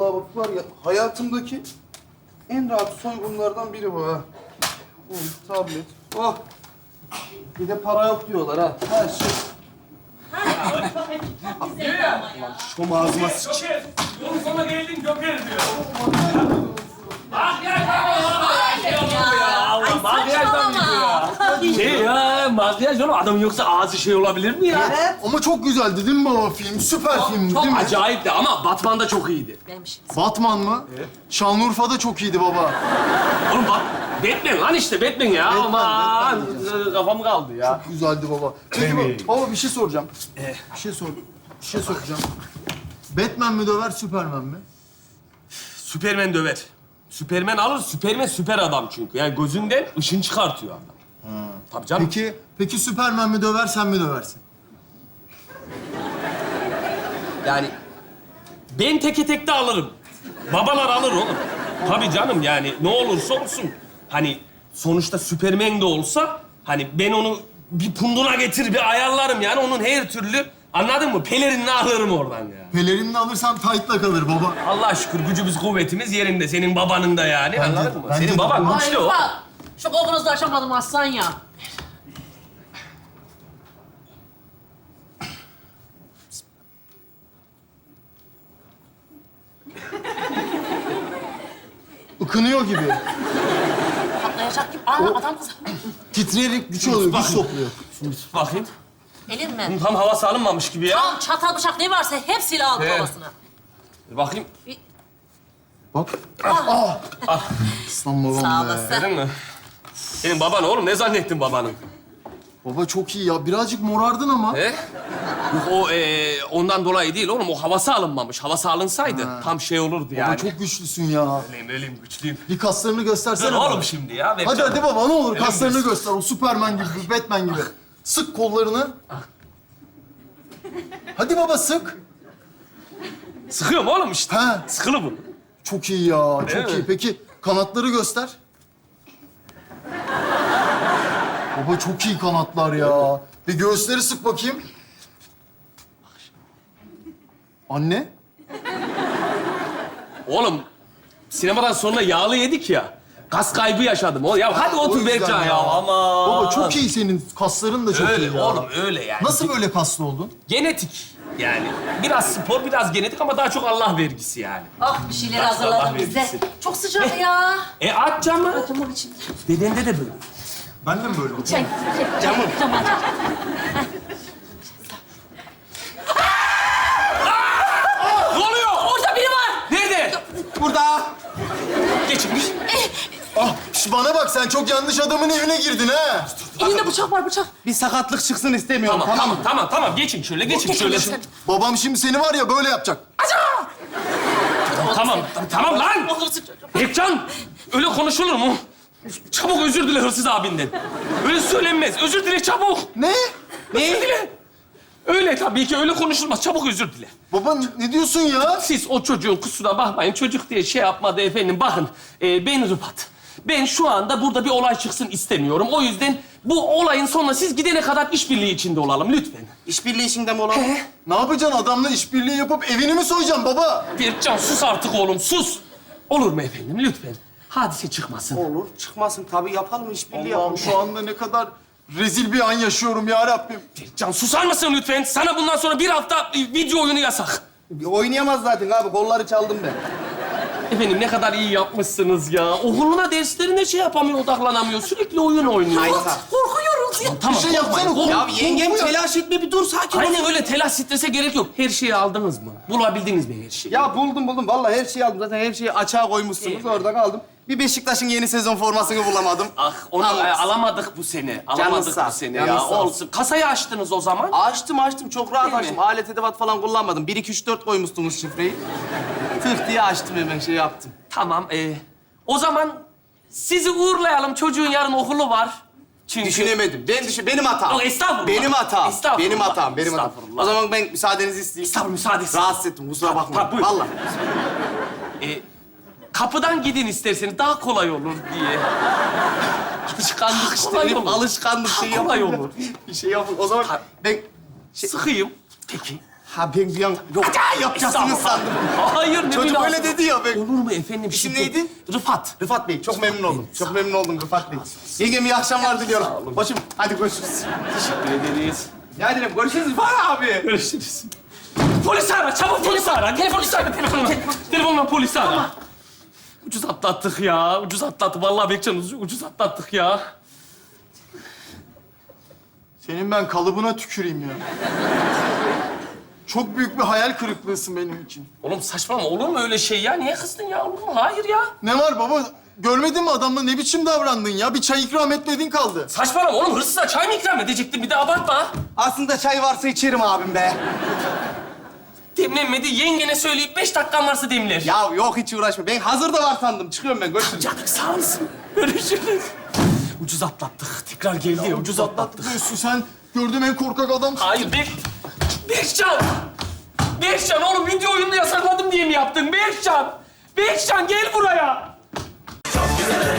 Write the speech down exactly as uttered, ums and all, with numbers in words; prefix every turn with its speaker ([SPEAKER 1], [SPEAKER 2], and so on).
[SPEAKER 1] Vallahi bak var ya, hayatımdaki en rahat soygunlardan biri bu ha. Oh, tablet. Oh. Bir de para yok diyorlar ha. Her şey.
[SPEAKER 2] Şom ağzıma sıç.
[SPEAKER 3] Joker, yolun sonuna geldin Joker diyor. Makyaj Allah, makyajdan gidiyor ya. Şey ya, makyaj oğlum adamın yoksa ağzı şey olabilir mi ya?
[SPEAKER 1] Evet.
[SPEAKER 2] Ama çok güzeldi değil mi baba film? Süper filmdi
[SPEAKER 3] Çok
[SPEAKER 2] değil mi?
[SPEAKER 3] acayipti ama Batman da çok iyiydi.
[SPEAKER 2] Batman mı? Evet. Şanlıurfa'da çok iyiydi baba.
[SPEAKER 3] Oğlum bak, Batman lan işte Batman ya.
[SPEAKER 2] Batman,
[SPEAKER 3] Aman,
[SPEAKER 2] Batman.
[SPEAKER 3] kafam kaldı ya.
[SPEAKER 2] Güzeldi baba. Peki baba, baba bir şey soracağım. Bir şey sor. Bir şey soracağım. Batman mi döver, Superman mi?
[SPEAKER 3] Süpermen döver. Süpermen alır, Süpermen süper adam çünkü. Yani gözünden ışın çıkartıyor adam. Ha. Tabii canım.
[SPEAKER 2] Peki, peki Superman mi döver, sen mi döversin?
[SPEAKER 3] Yani ben teke tek de alırım. Babalar alır oğlum. Tabii canım yani ne olursa olsun. Hani sonuçta Süpermen de olsa hani ben onu bir punduna getir bir ayarlarım yani onun her türlü anladın mı? Pelerinini alırım oradan ya.
[SPEAKER 2] Pelerinini alırsan tight'la kalır baba.
[SPEAKER 3] Allah şükür gücümüz kuvvetimiz yerinde. Senin babanın da yani
[SPEAKER 2] Bence de,
[SPEAKER 3] anladın mı?
[SPEAKER 2] bence
[SPEAKER 3] Senin
[SPEAKER 2] de.
[SPEAKER 3] baban
[SPEAKER 2] Ay,
[SPEAKER 3] güçlü o.
[SPEAKER 4] Bak, şu kokunuzu da açamadım aslan ya.
[SPEAKER 2] Ikınıyor gibi.
[SPEAKER 4] Patlayacak gibi. Aa, adam kız.
[SPEAKER 2] Titreyerek güç alıyor, güç topluyor.
[SPEAKER 3] Şimdi tut bakayım.
[SPEAKER 4] Elin mi?
[SPEAKER 3] Tam havası alınmamış gibi ya.
[SPEAKER 4] Tam çatal bıçak ne varsa hepsiyle aldı
[SPEAKER 3] He.
[SPEAKER 4] babasına.
[SPEAKER 3] Bir bakayım.
[SPEAKER 2] Bak. Ah.
[SPEAKER 3] Ah.
[SPEAKER 2] Aslan babam
[SPEAKER 4] Sağ
[SPEAKER 2] be.
[SPEAKER 4] olasın.
[SPEAKER 3] Gördün mü? Senin baban oğlum ne zannettin babanın?
[SPEAKER 2] Baba çok iyi ya. Birazcık morardın ama.
[SPEAKER 3] He? Yok o e, ondan dolayı değil oğlum. O havası alınmamış. Havası alınsaydı tam şey olurdu
[SPEAKER 2] Baba
[SPEAKER 3] yani.
[SPEAKER 2] çok güçlüsün ya.
[SPEAKER 3] Öyleyim, öyleyim, güçlüyüm.
[SPEAKER 2] Bir kaslarını göstersene
[SPEAKER 3] Dur
[SPEAKER 2] bana.
[SPEAKER 3] oğlum şimdi ya.
[SPEAKER 2] Hadi
[SPEAKER 3] vereceğim.
[SPEAKER 2] hadi baba ne olur
[SPEAKER 3] Öyle mi
[SPEAKER 2] kaslarını
[SPEAKER 3] diyorsun?
[SPEAKER 2] göster. O Superman gibi, Batman gibi. Sık kollarını. Hadi baba sık.
[SPEAKER 3] Sıkıyorum oğlum işte.
[SPEAKER 2] Ha.
[SPEAKER 3] Sıkılı bu.
[SPEAKER 2] Çok iyi ya,
[SPEAKER 3] Değil
[SPEAKER 2] çok
[SPEAKER 3] mi?
[SPEAKER 2] iyi. Peki kanatları göster. Baba çok iyi kanatlar ya. Bir göğüsleri sık bakayım. Anne.
[SPEAKER 3] Oğlum sinemadan sonra yağlı yedik ya. Kas kaybı yaşadım. O ya hadi
[SPEAKER 2] O
[SPEAKER 3] otur
[SPEAKER 2] yüzden
[SPEAKER 3] Berkcan ya.
[SPEAKER 2] ya.
[SPEAKER 3] Aman.
[SPEAKER 2] Baba çok iyi senin. Kasların da çok
[SPEAKER 3] Öyle
[SPEAKER 2] iyi ya.
[SPEAKER 3] oğlum öyle yani.
[SPEAKER 2] Nasıl böyle kaslı oldun?
[SPEAKER 3] Genetik yani. Biraz spor, biraz genetik ama daha çok Allah vergisi yani.
[SPEAKER 4] Ah bir şeyler
[SPEAKER 3] Bak,
[SPEAKER 4] hazırladım
[SPEAKER 3] Allah
[SPEAKER 4] bize.
[SPEAKER 3] vergisi.
[SPEAKER 4] Çok sıcak ya.
[SPEAKER 3] E aç camı.
[SPEAKER 4] Camın içinde.
[SPEAKER 3] Dedende de böyle.
[SPEAKER 2] Ben de mi böyle oldum?
[SPEAKER 4] Çek.
[SPEAKER 3] Camı.
[SPEAKER 4] Camı aç.
[SPEAKER 3] Ne oluyor?
[SPEAKER 4] Orada biri var.
[SPEAKER 3] Nerede?
[SPEAKER 1] Burada.
[SPEAKER 3] Geçmiş.
[SPEAKER 2] Ah, şş, bana bak sen çok yanlış adamın evine girdin ha.
[SPEAKER 4] Elinde bıçak var bıçak.
[SPEAKER 1] Bir sakatlık çıksın istemiyorum.
[SPEAKER 3] Tamam, tamam, tamam, tamam. Geçin şöyle, geçin şöyle.
[SPEAKER 2] Babam şimdi seni var ya böyle yapacak.
[SPEAKER 3] Tamam, tamam lan.
[SPEAKER 4] Olursun çocuğum.
[SPEAKER 3] Berkcan, öyle konuşulur mu? Çabuk özür dile hırsız abinden. Öyle söylenmez. Özür dile çabuk.
[SPEAKER 2] Ne?
[SPEAKER 3] Özür dile. Öyle tabii ki öyle konuşulmaz. Çabuk özür dile.
[SPEAKER 2] Baba ne diyorsun ya?
[SPEAKER 3] Siz o çocuğun kusura bakmayın. Çocuk diye şey yapmadı efendim. Bakın, e, ben Rıfat. Ben şu anda burada bir olay çıksın istemiyorum. O yüzden bu olayın sonuna siz gidene kadar işbirliği içinde olalım lütfen.
[SPEAKER 1] İşbirliği içinde mi olalım?
[SPEAKER 2] Ne yapacaksın? Adamla işbirliği yapıp evini mi soyacaksın baba?
[SPEAKER 3] Berkcan sus artık oğlum, sus. Olur mu efendim? Lütfen. Hadise çıkmasın.
[SPEAKER 1] Olur. Çıkmasın. Tabii yapalım, işbirliği
[SPEAKER 2] Allah'ım
[SPEAKER 1] yapalım.
[SPEAKER 2] şu anda ne kadar rezil bir an yaşıyorum ya Rabbim.
[SPEAKER 3] Berkcan susar mısın lütfen? Sana bundan sonra bir hafta e, video oyunu yasak.
[SPEAKER 1] Oynayamaz zaten abi. Kolları çaldım ben.
[SPEAKER 3] Efendim ne kadar iyi yapmışsınız ya. Okuluna, derslerine şey yapamıyor, odaklanamıyor. Sürekli oyun oynuyor.
[SPEAKER 1] Hayır.
[SPEAKER 4] Korkuyoruz ya.
[SPEAKER 3] Tamam,
[SPEAKER 2] Bir şey yapsana.
[SPEAKER 3] korkmayın.
[SPEAKER 1] Ya
[SPEAKER 3] Kork-
[SPEAKER 1] yengem
[SPEAKER 2] korkuyor.
[SPEAKER 1] telaş etme, bir dur sakin ol.
[SPEAKER 3] Aynen öyle telaş, strese gerek yok. Her şeyi aldınız mı? Bulabildiniz mi her şeyi?
[SPEAKER 1] Ya buldum buldum. Vallahi her şeyi aldım. Zaten her şeyi açığa koymuşsunuz. Orada kaldım. Bir Beşiktaş'ın yeni sezon formasını bulamadım.
[SPEAKER 3] Ah onu
[SPEAKER 1] Tamam.
[SPEAKER 3] e, alamadık bu sene. Alamadık
[SPEAKER 1] sağ
[SPEAKER 3] bu
[SPEAKER 1] ol,
[SPEAKER 3] sene
[SPEAKER 1] canın
[SPEAKER 3] ya.
[SPEAKER 1] sağ ol.
[SPEAKER 3] Olsun. Kasayı açtınız o zaman.
[SPEAKER 1] Açtım açtım. Çok rahat
[SPEAKER 3] Değil mi?
[SPEAKER 1] açtım. Alet edevat falan kullanmadım. Bir, iki, üç, dört koymuştunuz şifreyi. Tık diye açtım hemen şey yaptım.
[SPEAKER 3] Tamam. E, o zaman sizi uğurlayalım. Çocuğun yarın okulu var. Çünkü...
[SPEAKER 1] Düşünemedim. Ben düşün, benim hatam.
[SPEAKER 3] Yok, estağfurullah.
[SPEAKER 1] Benim hatam.
[SPEAKER 3] Estağfurullah.
[SPEAKER 1] Benim hatam, benim hatam.
[SPEAKER 3] Estağfurullah.
[SPEAKER 1] O zaman ben müsaadenizi isteyeyim.
[SPEAKER 3] Estağfurullah, müsaadesi.
[SPEAKER 1] Rahatsız ettim, kusura
[SPEAKER 3] Tabii,
[SPEAKER 1] bakmayın.
[SPEAKER 3] tabii, buyur.
[SPEAKER 1] Vallahi.
[SPEAKER 3] E, kapıdan gidin isterseniz daha kolay olur diye. Alışkanlık
[SPEAKER 1] İşte
[SPEAKER 3] kolay
[SPEAKER 1] benim
[SPEAKER 3] olur.
[SPEAKER 1] alışkanlık şey
[SPEAKER 3] Daha kolay
[SPEAKER 1] yapın.
[SPEAKER 3] olur.
[SPEAKER 1] Bir şey yapın. O zaman ben... Şey...
[SPEAKER 3] Sıkıyım. Peki.
[SPEAKER 1] Ha ben bir an... Yok, yapacaksınız
[SPEAKER 3] Estağfurullah.
[SPEAKER 1] sandım.
[SPEAKER 3] Hayır, ne
[SPEAKER 1] Çocuk
[SPEAKER 3] lazım.
[SPEAKER 2] Öyle dedi ya. Ben...
[SPEAKER 3] Olur mu efendim?
[SPEAKER 2] İsim
[SPEAKER 3] şiddet?
[SPEAKER 2] neydi?
[SPEAKER 3] Rıfat.
[SPEAKER 2] Rıfat Bey, çok memnun oldum. Çok memnun oldum Rıfat Bey. Yengem iyi akşamlar diliyorum. Başım, hadi görüşürüz.
[SPEAKER 3] Teşekkür ederiz.
[SPEAKER 1] Ya dedim görüşürüz Rıfat abi.
[SPEAKER 3] Görüşürüz. Polis ara, çabuk polis ara. Gel polis ara, telefonla. Telefonla polis ara. Ucuz atlattık ya, ucuz atlattık. Vallahi Bekcan ucuz, ucuz atlattık ya.
[SPEAKER 2] Senin ben kalıbına tüküreyim ya. Çok büyük bir hayal kırıklığısın benim için.
[SPEAKER 3] Oğlum saçmalama, olur mu öyle şey ya? Niye kızdın ya? Olur mu? Hayır ya.
[SPEAKER 2] Ne var baba? Görmedin mi adamla ne biçim davrandın ya? Bir çay ikram etmedin kaldı.
[SPEAKER 3] Saçmalama oğlum, hırsıza çay mı ikram edecektim? Bir de abartma.
[SPEAKER 1] Aslında çay varsa içerim abim be.
[SPEAKER 3] Demlenmedi, yengene söyleyip beş dakikan varsa demler.
[SPEAKER 1] Ya yok hiç uğraşma. Ben hazır da var sandım. Çıkıyorum ben. Görüşürüz.
[SPEAKER 3] Canım sağ olasın. Görüşürüz. Ucuz atlattık. Tekrar geldi ya, ucuz atlattık.
[SPEAKER 2] Diyorsun sen gördüğüm en korkak adamsın.
[SPEAKER 3] Hayır, Bek... Bekcan! Bekcan oğlum, video oyununu yasakladım diye mi yaptın? Bekcan! Bekcan gel buraya!
[SPEAKER 5] Çok güzel